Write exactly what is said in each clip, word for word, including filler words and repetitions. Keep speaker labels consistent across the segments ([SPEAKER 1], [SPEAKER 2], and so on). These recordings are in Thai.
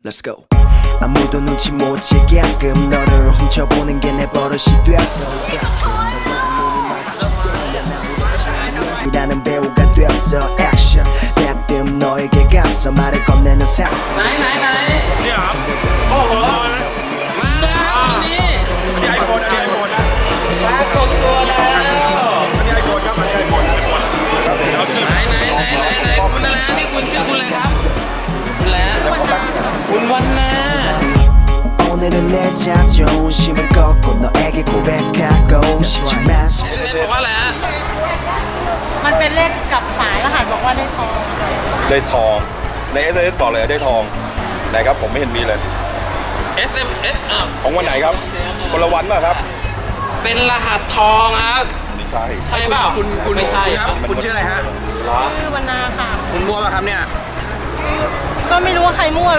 [SPEAKER 1] Let's go. 아무도 눈치 못 채게끔 너를 훔쳐보는 게 내 버릇이 되었고 이라는 배우가 됐어 액션 대뜸 너에게 가서 말을 건네는 상상
[SPEAKER 2] ไหนไหนไหนเนี่ยครับโอ้โหมาแล้วนี่อันนี้ไอโฟนอันนี้ไอโฟนนะปรากฏตัวแล้วอันนี้ไอโฟนครับอันนี้ไอโฟนไหนไหนไหนไหนไหนคุณอะไรนี่คุณชื่อคุณอะไรครับคุณแล้วคุณวันนา
[SPEAKER 1] 오늘은 내 자존심을 꺾고 너에게 고백하고 싶지만
[SPEAKER 2] บอกว่าอะไรฮะ
[SPEAKER 3] มันเป็นเลขกับฝายรหัสบอกว่าได้ทอง
[SPEAKER 4] ได้ทองใน เอส เอส บอกเลยได้ทองไหนครับผมไม่เห็นมีเลย
[SPEAKER 2] เอส เอ็ม เอส อ่ะ
[SPEAKER 4] ของวันไหนครับคนละวันป่ะครับ
[SPEAKER 2] เป็นรหัสทองครับ
[SPEAKER 4] ไม่ใช่
[SPEAKER 2] ใช่เปล่าคุณคุณไม่ใช่ครับ
[SPEAKER 5] คุณชื่ออะไรฮะ
[SPEAKER 3] ชื่อวรรณาค่ะ
[SPEAKER 5] คุณมั่วป่ะครับเนี่ย
[SPEAKER 3] ก็ไม่รู้ว่าใครมั่ว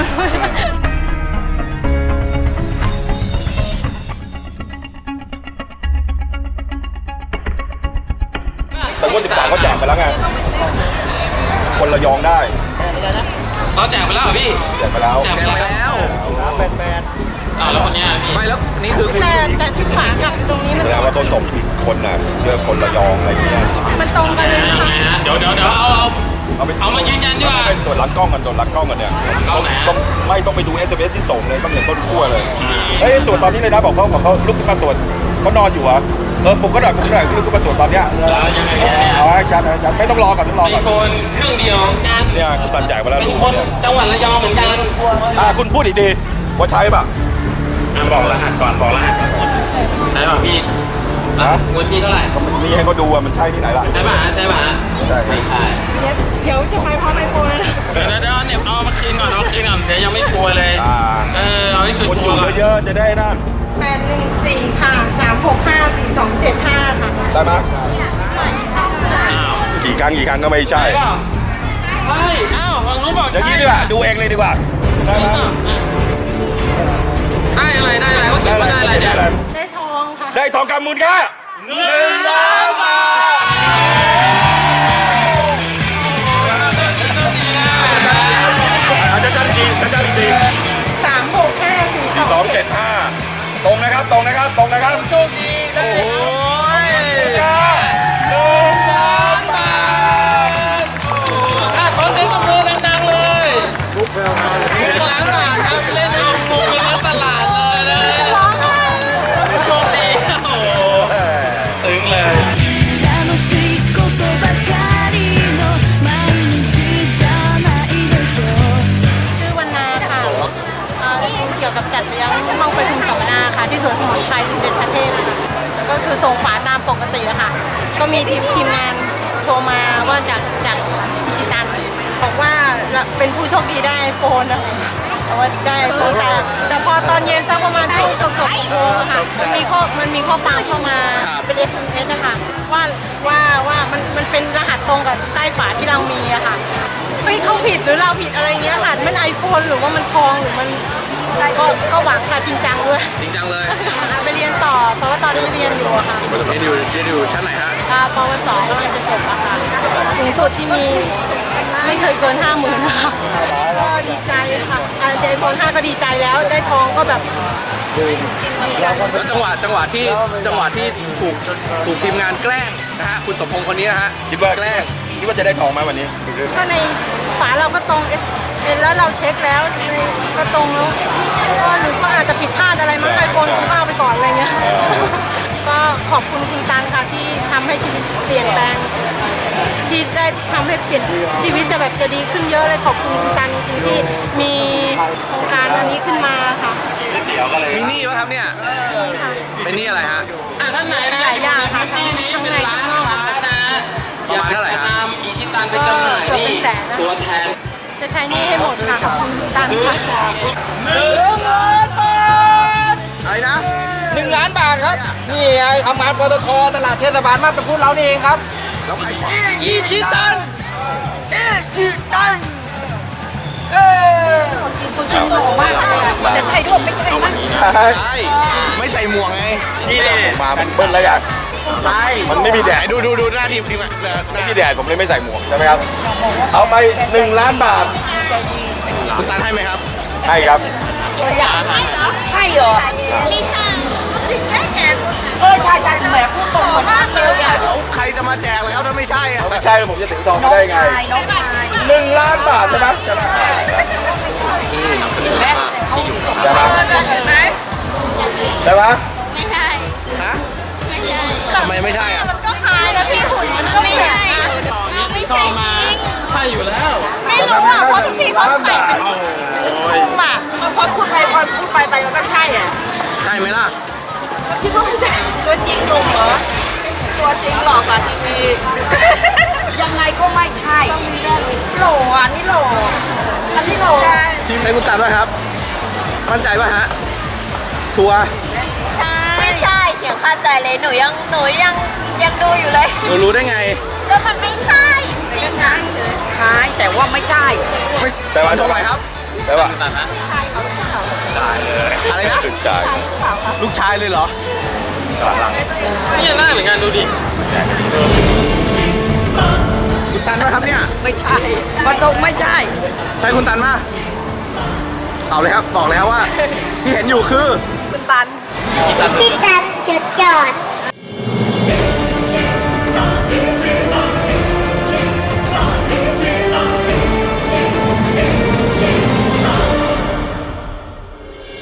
[SPEAKER 4] แต่งวดสิบสามเขาแจกไปแล้วไงคนระยองได้
[SPEAKER 2] เราแจกไปแล้วเหรอพี่
[SPEAKER 4] แจกไปแล้ว
[SPEAKER 2] แจก
[SPEAKER 5] แจ้ง
[SPEAKER 2] ไป
[SPEAKER 5] ไป
[SPEAKER 2] แล้ว
[SPEAKER 5] แล้ว
[SPEAKER 2] อ้าวแล้วคนเนี้ยพี่
[SPEAKER 5] ไม่แล้วนี่คือคุณ
[SPEAKER 3] แต่แต่ที่ฝากับตรงนี้มัน
[SPEAKER 4] แสดงว่าต้นสมผิดคนน่ะเรื่องคนระยองอะไรอย่างเงี้ย
[SPEAKER 3] มันตรงกันเลยนะคะ
[SPEAKER 2] เดี๋ยวเดี๋ยวเดี๋ยวเอาเอา
[SPEAKER 4] เอาไป
[SPEAKER 2] เอามายืนยันดีกว่า
[SPEAKER 4] เป็นตรวจหลังกล้องกันตรวจหลังกล้องกันเนี่ย
[SPEAKER 2] กล้องไหนฮะ
[SPEAKER 4] ต้องไม่ต้องไปดู เอส เอ็ม เอส ที่ส่งเลยต้องเห็นต้นขั้วเลยเฮ้ยตรวจตอนนี้เลยนะบอกเขาบอกเขาลุกขึ้นมาตรวจเขานอนอยู่เหรอเออปลุกก็หน่อยปลุกก็หน่อยลุกขึ้นมาตรวจตอนเนี้ย
[SPEAKER 2] แล้วยังไงกันเนี่ย
[SPEAKER 4] เอาให้ชัดเอาให้ชัดไม่ต้องรอก่อนต้องรอ
[SPEAKER 2] ไอ
[SPEAKER 4] ก่อน
[SPEAKER 2] โฟนเครื่องเดียวกัน
[SPEAKER 4] เนี่ยคุณตันแจกไปแล้ว
[SPEAKER 2] เป็น
[SPEAKER 4] ลูก
[SPEAKER 2] คน
[SPEAKER 4] เนี่ย
[SPEAKER 2] จังหวัดระยองเหมือนกัน
[SPEAKER 4] อ่าคุณพูดอีกทีว่าใช้ป่ะ
[SPEAKER 2] อ่ะบอกรหัสก่อนบอกรหัสก่อนใช่ป่ะพี่
[SPEAKER 4] ฮะ
[SPEAKER 2] งวดพี่เท่าไหร่
[SPEAKER 4] มีให้เขาดูว่ามันใช่ที่ไหนล่ะ
[SPEAKER 2] ใช่ป่ะใช่ป่ะ
[SPEAKER 4] ใช่
[SPEAKER 2] ไม่ใช่
[SPEAKER 3] เดี๋ยวจะไปพร้อมไอโฟนเลยนะ
[SPEAKER 2] เดี๋ยวเดี๋ยวเดี๋ยวเนี่ยเอามาคืนก่อนเอามาคืนก่อนเดี๋ยวยังไม่ชัวร์เลย
[SPEAKER 4] อ่า
[SPEAKER 2] เออเอาให้ชัว
[SPEAKER 4] คน
[SPEAKER 2] ร์
[SPEAKER 4] อยู่
[SPEAKER 2] ๆก่อน
[SPEAKER 4] เยอะๆจะได้นั่น
[SPEAKER 3] แปดหนึ่งสี่ค่ะสามหกห้าสี่สองเจ็ดห้าค่ะ
[SPEAKER 4] ใช่ไหม
[SPEAKER 2] อ้าว
[SPEAKER 4] กี่ครั้งกี่ครั้งก็ไม่ใช่
[SPEAKER 2] ใช่ป่ะใช่อ้าวฝั่งนู้นบอก
[SPEAKER 4] อย่าง
[SPEAKER 2] ใช่
[SPEAKER 4] นี้ดีกว่าดูเองเลยดีกว่าใช่ไหม
[SPEAKER 2] ได้อะไรได้อะไรเขาเขียนว่าได้อะไรเนี่ย
[SPEAKER 3] ได้ทองค่ะ
[SPEAKER 4] ได้ทองคำมูลค่าหนึ่งล้านบาทอาจารย์อีกทีอาจารย์อีกที
[SPEAKER 3] สามหกห้าสี่ส
[SPEAKER 4] สี่ส
[SPEAKER 3] อ
[SPEAKER 4] อง ง
[SPEAKER 3] เจ็
[SPEAKER 4] เจ็
[SPEAKER 3] ด
[SPEAKER 4] ดห้าตรงนะครับตรงนะครับตรงนะครับโชคดีได้
[SPEAKER 2] โอ้ย
[SPEAKER 4] ค่าหนึ่งล้านบาท
[SPEAKER 2] อ่ะขอเสียงตบมือดังๆเลยหนึ่งล้านบาทครับเล่นเอางูกันทั้งตลาดเลยนะโชคดีโอ้โหซึ้งเลย
[SPEAKER 6] 楽しいことばかりの毎日じゃないでしょう
[SPEAKER 3] ชื่อวรรณาค่ะเอ่อเกี่ยวกับจัดเลี้ยงห้องประชุมสัมมนาค่ะที่สวนสมุนไพรสมเด็จพระเทพค่ะแล้วก็คือส่งฝาตามปกติอะค่ะ ก็มีทีมทีมงานโทรมาว่าจากจากอิชิตันบอกว่าเป็นผู้โชคดีได้ไอโฟนนะคะแต่ว่าได้ไอโฟนแต่แต่พอตอนเย็นสักประมาณช่วงเกือบเกือบโมงอะค่ะมันมีข้อมันมีข้อความเข้ามาเป็น เอส เอ็ม เอส นะคะว่าว่าว่ามันมันเป็นรหัสตรงกับใต้ฝาที่เรามีอะค่ะเฮ้ยเขาผิดหรือเราผิดอะไรเงี้ยค่ะมันไอโฟนหรือว่ามันทองหรือมันก็ก็หวังค่ะจริงจังด้วย
[SPEAKER 5] จริงจังเลย
[SPEAKER 3] ไปเรียนต่อเพราะว่าตอนนี้เรียนอยู่อะค่ะ
[SPEAKER 5] เรียนอยู่เรียนอยู่ชั้นไหนฮะ
[SPEAKER 3] อ่าปวสกำลังจะจบแล้วค่ะสูงสุดที่มีไม่เคยเกินห้าหมื่นนะคะก็ดีใจค่ะอ่าไอโฟนห้าก็ดีใจแล้วได้ทองก็แบบดีใจ
[SPEAKER 5] แล้วจังหวะจังหวะที่จังหวะที่ถูกถูกทีมงานแกล้งนะฮะคุณสมพงษ์คนนี้นะฮะ
[SPEAKER 4] คิดว่า
[SPEAKER 5] แกล้ง
[SPEAKER 4] คิดว่าจะได้ทองไหมวันนี้
[SPEAKER 3] ก็ในฝาเราก็ตรงเอสแล้วเราเช็คแล้วก็ตรงแล้วก็หรือก็อาจจะผิดพลาดอะไรมั้งไอโฟนคุณก็เอาไปก่อนอะไรเงี้ยก็ขอบคุณคุณตันค่ะที่ทำให้ชีวิตเปลี่ยนแปลงที่ได้ทำให้เปลี่ยนชีวิตจะแบบจะดีขึ้นเยอะเลยขอบคุณคุณตันจริงๆที่มีโครงการอันนี้ขึ้นมาค่ะ
[SPEAKER 5] มีหนี้ป่ะครับเนี่ย
[SPEAKER 3] นี่ค่ะ
[SPEAKER 5] เป็นหนี้อะไรฮะ
[SPEAKER 2] อ่ะท่านไหนนะ
[SPEAKER 3] หลายอย่างค่ะ
[SPEAKER 2] ที่นี้
[SPEAKER 3] ทั้ง
[SPEAKER 2] เป็น
[SPEAKER 3] ใน
[SPEAKER 2] ร้าน
[SPEAKER 3] ทั้งนอก
[SPEAKER 2] ค้านะ
[SPEAKER 5] ประมาณเท่าไหร่
[SPEAKER 2] อยก
[SPEAKER 5] ฮะ
[SPEAKER 2] จะนำอิชิตันไปจำหน่าย
[SPEAKER 3] เกือบเป็
[SPEAKER 2] นี่
[SPEAKER 3] นแสนนะ
[SPEAKER 2] ตัวแทน
[SPEAKER 3] จะใช้หนี่ให้หมดค่ะขอบคุณคุณตัน
[SPEAKER 2] ซื้อ
[SPEAKER 3] ค่ะ
[SPEAKER 2] จากหนึ่งล้านบาท
[SPEAKER 5] อะไรนะ
[SPEAKER 7] หนึ่งล้านบาทครับ นี่ไงทำงานปตทตลาดเทศบาลมาบตะพุธเรานี่เองครับ
[SPEAKER 5] แล้วใคร
[SPEAKER 7] อีชิตันอีชิตันเอ้ย
[SPEAKER 3] จริงจริงหล่อมากเลยอะแต่ใช่ด้วยไม่ใช่นะ
[SPEAKER 5] ใช่ไม่ใส่หมวกไง
[SPEAKER 4] นี่มามันเบิ้ลแล้วอย่าง
[SPEAKER 5] ใช่
[SPEAKER 4] มันไม่มีแด
[SPEAKER 5] ไหน
[SPEAKER 4] ด
[SPEAKER 5] ดูดูดูหน้าทีมทีมอ่ะหน้า
[SPEAKER 4] ไม่มีแดดผมเลยไม่ใส่หมวกใช่ไหมครับเอาไปหนึ่งล้านบาท
[SPEAKER 5] คุณตันให้ไหมครับ
[SPEAKER 4] ใช่ครับ
[SPEAKER 7] ใช่เหรอใช่เหรอไม่ใช่จริงแค่แกเออใช่ใช่แหมพูดตรงมากเลยอ่ะ
[SPEAKER 5] ใครจะมาแจกเลยครับถ้าไม่ใช่อะ
[SPEAKER 4] ไม่ใช่ผมจะถึงทอง
[SPEAKER 7] น้
[SPEAKER 4] ไม่
[SPEAKER 7] อง
[SPEAKER 4] ได้ไง
[SPEAKER 7] ชายน้องชาย
[SPEAKER 4] หนึ่งล้านบาทใช่ไหมใช่ไหม
[SPEAKER 7] เห็นไหมเขาจบ
[SPEAKER 4] ใช่ไหม
[SPEAKER 7] เห็นไหม
[SPEAKER 4] ใช่ไหม
[SPEAKER 6] ไม่ใช่
[SPEAKER 5] ฮะ
[SPEAKER 6] ไม่ใช่
[SPEAKER 5] ทำไมไม่ใช่อะ
[SPEAKER 3] มันก็คล้ายนะพี่หุ่นมันก็
[SPEAKER 6] ไม่
[SPEAKER 3] เหมือน
[SPEAKER 6] ใช่
[SPEAKER 3] นะ
[SPEAKER 6] ไม่ใช่จริง
[SPEAKER 2] ใช่อยู่แล้ว
[SPEAKER 3] ไม่รู้อ่ะเพราะทุกทีเขาใส่เป็นคลุมอ่ะพอพูดไปพอพูดไปไปมันก็ใช่อ่ะ
[SPEAKER 5] ใช่ไหมล่ะ
[SPEAKER 3] คิดว่าไม่ใช่ตัวจริงหนุ่มเหรอตัวจริงหลอกกว่าทีวี
[SPEAKER 7] ยังไงก็ไม่ใช่โหลอันนี้โหลอันนี้โหล
[SPEAKER 5] ให้คุณตันป่ะครับ มั่นใจป่ะฮะ ชัวร์
[SPEAKER 3] ใช่ไม่ใช่เขียงคาใจเลยหนูยังหนูยังยังดูอยู่เลย
[SPEAKER 5] หนูรู้ได้ไง
[SPEAKER 3] ก็มันไม่ใช่จริงอ่ะ
[SPEAKER 7] คล้ายแต่ว่าไม่ใช่
[SPEAKER 5] ไม่
[SPEAKER 4] ใช่ป่ะ
[SPEAKER 5] ตรงไหนครับ
[SPEAKER 4] ใช่ป่ะ
[SPEAKER 3] ใช่เขาหรือเปล่า
[SPEAKER 5] อะไรนะ
[SPEAKER 4] ลูกชาย
[SPEAKER 5] ลูกชายเลยเหรอ
[SPEAKER 2] นี่หน้าเหมือนกันดูดิ
[SPEAKER 5] คุณตันป่ะครับเนี่ย
[SPEAKER 7] ไม่ใช่มันตรงไม่ใช่
[SPEAKER 5] ใช่คุณตันป่ะเอาเลยครับ บอกเลยครับว่า ที่เห็นอยู่คือ
[SPEAKER 7] คุณตัน
[SPEAKER 6] ที่ตันจุดจอด